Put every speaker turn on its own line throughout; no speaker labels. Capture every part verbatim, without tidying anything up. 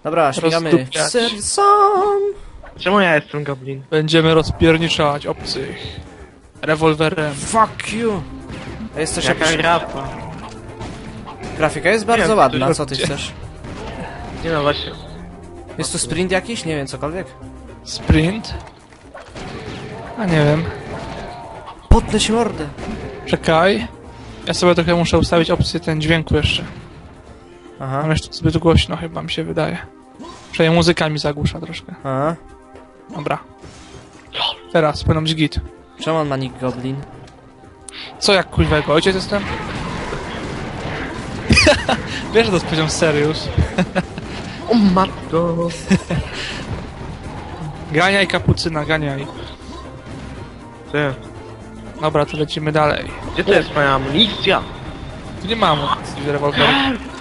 Dobra, śmigamy.
Rozdupiać.
Sercom!
Czemu ja jestem goblin?
Będziemy rozpierniczać obcych. Rewolwerem.
Fuck you! A jest też
Jaka
jakaś...
grapa?
Grafika jest bardzo
wiem,
ładna,
to
co ty
gdzie?
chcesz?
Nie no właśnie.
Jest tu sprint jakiś? Nie wiem, cokolwiek.
Sprint? A nie wiem.
Potnę się mordę.
Czekaj. Ja sobie trochę muszę ustawić opcję ten dźwięku jeszcze.
Aha,
Mam jeszcze zbyt głośno chyba mi się wydaje. Przynajmniej muzyka mi zagłusza troszkę.
aha.
Dobra. Teraz powinno być git.
Czemu on ma nick Goblin?
Co jak kurwego? Ojciec jestem? Wiesz, że to jest poziom serious.
O matko!
Ganiaj kapucyna, ganiaj.
Ty,
Dobra, to lecimy dalej.
gdzie to jest moja amunicja?
Tu nie mam opcji w rewolwerze.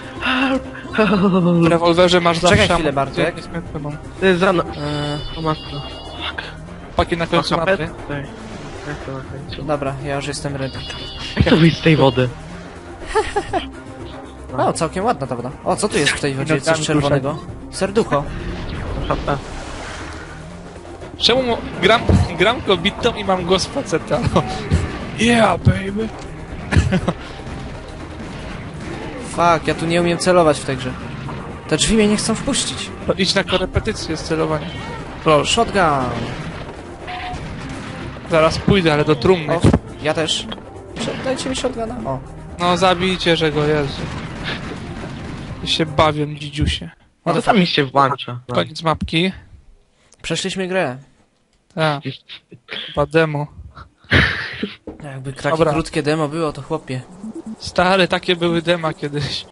W rewolwerze masz zawsze
Czekaj chwilę,
amunicję
Bartek.
niezmienioną.
To jest za... No...
Eee,
O matko.
Pakiet na końcu
Maka
mapy.
pet? Tutaj. Jak to na końcu?
dobra, ja już jestem ready.
Jak to wyjść z tej wody?
O, całkiem ładna ta woda. O, co tu jest w tej wodzie? Coś
Nogami
czerwonego? Serducho.
Szata.
Czemu mo- gram, gram kobietą i mam głos faceta? No. Yeah, baby.
Fuck, ja tu nie umiem celować w tej grze. Te drzwi mnie nie chcą wpuścić.
To idź na korepetycję z celowania. Proszę.
Shotgun.
Zaraz pójdę, ale do trumny.
O, ja też. Sh- Dajcie mi shotguna. O.
No zabijcie, że go, Jezu. I się bawią, dzidziusie.
No to tam mi się włącza. No.
Koniec mapki.
Przeszliśmy grę.
Tak. Chyba demo.
Jakby takie
Dobra.
krótkie demo było, to chłopie.
Stare, takie były dema kiedyś.